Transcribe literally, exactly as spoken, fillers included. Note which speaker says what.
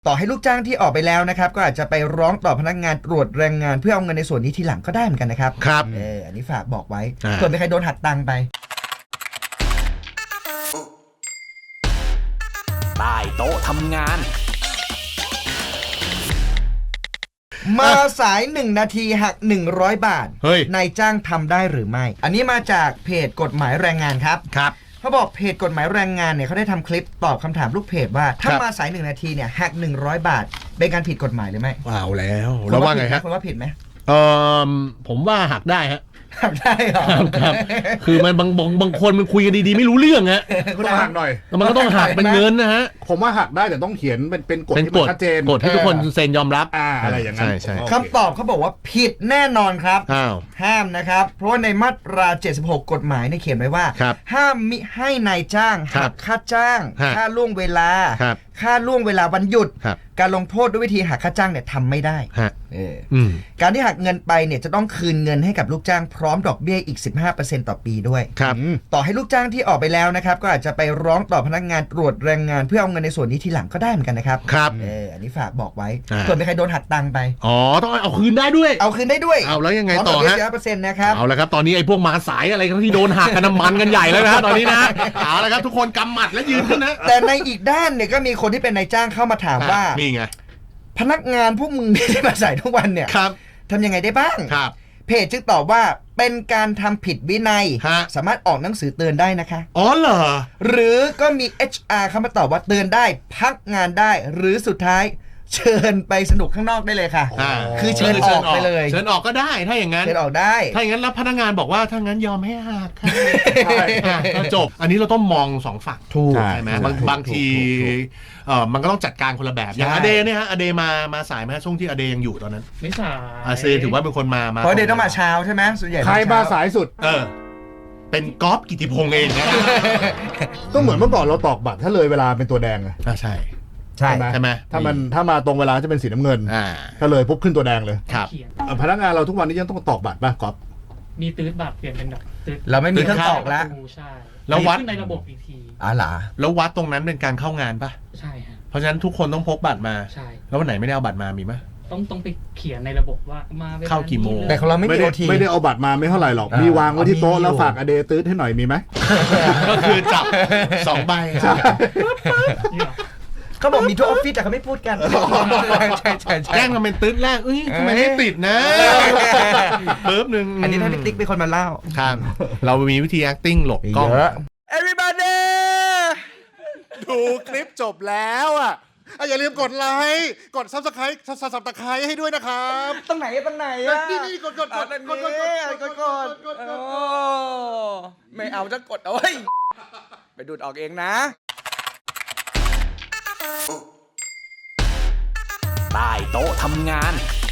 Speaker 1: ต่อให้ลูกจ้างที่ออกไปแล้วนะครับก็อาจจะไปร้องต่อพนักงานตรวจแรงงานเพื่อเอาเงินในส่วนนี้ทีหลังก็ได้เหมือนกันนะครับ
Speaker 2: ครับ
Speaker 1: เอออันนี้ฝากบอกไว้ส่วนมีใครโดนหักตังค์ไป
Speaker 3: ใต้โต๊ะทำงาน
Speaker 1: มาสายหนึ่งนาทีหักหนึ่งร้อยบาทนายจ้างทำได้หรือไม่อันนี้มาจากเพจกฎหมายแรงงานครับ
Speaker 2: ครับ
Speaker 1: เขาบอกเพจกฎหมายแรงงานเนี่ยเขาได้ทำคลิปตอบคำถามลูกเพจว่าถ้ามาสายหนึ่งนาทีเนี่ยหักหนึ่งร้อยบาทเป็นการผิดกฎหมายหรือไม่
Speaker 2: เอาแล้วแล้วว่าไงฮะ
Speaker 1: คุณว่าผิดไหม
Speaker 2: เออผมว่าหักได้ฮะ
Speaker 1: หักได้เหรอ
Speaker 2: ครับคือมันบางบางบางคนมันคุยกันดีๆไม่รู้เรื่องฮะ
Speaker 4: คุณหักหน่อย
Speaker 2: มันก็ต้องหักเป็นเงินนะฮะ
Speaker 4: ผมว่าหักได้แต่ต้องเขียนเป็นเป็นกฎที่ชัดเจน
Speaker 2: กฎที่ทุกคนเซ็นยอมรับ
Speaker 4: อ่าอะไรอย่างนั้น
Speaker 2: ใช่
Speaker 1: คำตอบเขาบอกว่าผิดแน่นอนครับห้ามนะครับเพราะว่าในมาตราเจ็ดสิบหกกฎหมายเนี่ยเขียนไว้ว่าห้ามมิให้นายจ้างหักค่าจ้างค่าล่วงเวลาค่าล่วงเวลาวันหยุดการลงโทษด้วยวิธีหักค่าจ้างเนี่ยทำไม่ได้การที่หักเงินไปเนี่ยจะต้องคืนเงินให้กับลูกจ้างพร้อมดอกเบี้ยอีก สิบห้าเปอร์เซ็นต์ ต่อปีด้วยต่อให้ลูกจ้างที่ออกไปแล้วนะครับก็อาจจะไปร้องต่อพนักงานตรวจแรงงานเพื่อเอาเงินในส่วนนี้ทีหลังก็ได้เหมือนกันนะครับ
Speaker 2: ครับ
Speaker 1: เอออันนี้ฝากบอกไว้ส่วนมีใครโดนหักตังค์ไป
Speaker 2: อ๋อต้องเอาคืนได้ด้วย
Speaker 1: เอาคืนได้ด้วย
Speaker 2: เอาแล้วยังไงต่อฮะ
Speaker 1: สิบห้าเปอร์เซ็นต์ นะครับ
Speaker 2: เอาละครับตอนนี้ไอ้พวกมาสายอะไรที่โดนหักกันน้ำมันกันใหญ่แล้วนะตอนนี้นะเอาละครับทุกคนกำหมัดและยืนขึ้นนะ
Speaker 1: แต่ในอีกด้านเนี่ยก็มีคนที่เป็นนายจ้างเข้ามาถามว่า
Speaker 2: นี่ไง
Speaker 1: พนักงานพวกมึงที่มาใส่ทุกวันเนี่ยทำยังไงได้บ้างเพจจึงตอบว่าเป็นการทำผิดวินัยสามารถออกหนังสือเตือนได้นะคะ
Speaker 2: อ๋อเหรอ
Speaker 1: หรือก็มี เอช อาร์ เข้ามาตอบว่าเตือนได้พักงานได้หรือสุดท้ายเชิญไปสนุกข้างนอกได้เลยค่ะคือเชิญออกไปเลย
Speaker 2: เชิญออกก็ได้ถ้าอย่างนั้น
Speaker 1: เชิญออกได้
Speaker 2: ถ้าอย่างนั้นแล้วพนักงานบอกว่าถ้างั้นยอมให้หักก็จบอันนี้เราต้องมองสองฝั่ง
Speaker 1: ถูก
Speaker 2: ใช่ไหมบางบางทีเออมันก็ต้องจัดการคนละแบบอย่างอเดเนี่ยฮะอเดมามาสายไหมช่วงที่อเดยังอยู่ตอนนั้น
Speaker 5: ไม่สาย
Speaker 2: อาเซถือว่าเป็นคนมา
Speaker 1: เพราะอเดต้องมาเช้าใช่ไหมส่วนใหญ่
Speaker 4: ใครมาสายสุด
Speaker 2: เออเป็นก๊อฟกิติพงษ์เองนะ
Speaker 4: ก็เหมือนเมื่อก่อนเราตอกบัตรถ้าเลยเวลาเป็นตัวแดงไง
Speaker 2: อ่าใช่
Speaker 1: ใช่
Speaker 2: ใช่ไหม
Speaker 4: ถ้ามันถ้ามาตรงเวลาจะเป็นสีน้ำเงินถ้าเลยปุ๊บขึ้นตัวแดงเลย
Speaker 2: ครับ
Speaker 4: พนักงานเราทุกวันนี้ยังต้องตอกบัตรป่ะก๊อฟ
Speaker 5: มีตื้อบัตรเปลี่ยนเป็นแบบตื้อ
Speaker 1: เราไม่มีเครื่องตอกแล้ว
Speaker 5: ใช่
Speaker 2: แล้ววัด
Speaker 5: ในระบบอีกที
Speaker 1: อ๋อเหรอ
Speaker 2: แล้ววัดตรงนั้นเป็นการเข้างานป่ะ
Speaker 5: ใช่ฮะ
Speaker 2: เพราะฉะนั้นทุกคนต้องพกบัตรมา
Speaker 5: ใช่
Speaker 2: แล้ววันไหนไม่ได้เอาบัตรมามีไหม
Speaker 5: ต้องต้องไปเขียนในระบบว่ามา
Speaker 2: เข้ากี่โมง
Speaker 1: แต่ของเราไม่มีโอที
Speaker 4: ไม่ได้เอาบัตรมาไม่เท่าไหร่หรอกมีวางไว้ที่โต๊ะแล้วฝากอเดตื้อให้หน่อยมีไหม
Speaker 2: ก็คือจับสองใบ
Speaker 1: เขาบอกมีทุกออฟฟิศแต่เขาไม่พูดกันใช่ใช่ใช่
Speaker 2: แจ้งมาเป็นตื้นแรกเอ้ยทำไมไม่ติดนะปึ๊บหนึ่ง
Speaker 1: อันนี้ถ้าพี่ติ๊กเป็นคนมาเล่า
Speaker 2: ครับเรามีวิธี acting หลบกล้อง
Speaker 1: everybody
Speaker 4: ดูคลิปจบแล้วอ่ะอย่าลืมกดไลค์กด Subscribe Subscribe ให้ด้วยนะครับ
Speaker 1: ตรงไหนตรงไหนอ่ะ
Speaker 4: นี่นี่กดกดกดกดกดกดกด
Speaker 1: ไม่เอาจะกดเอาไว้ไปดูดออกเองนะ
Speaker 3: ใต้โต๊ะทำงาน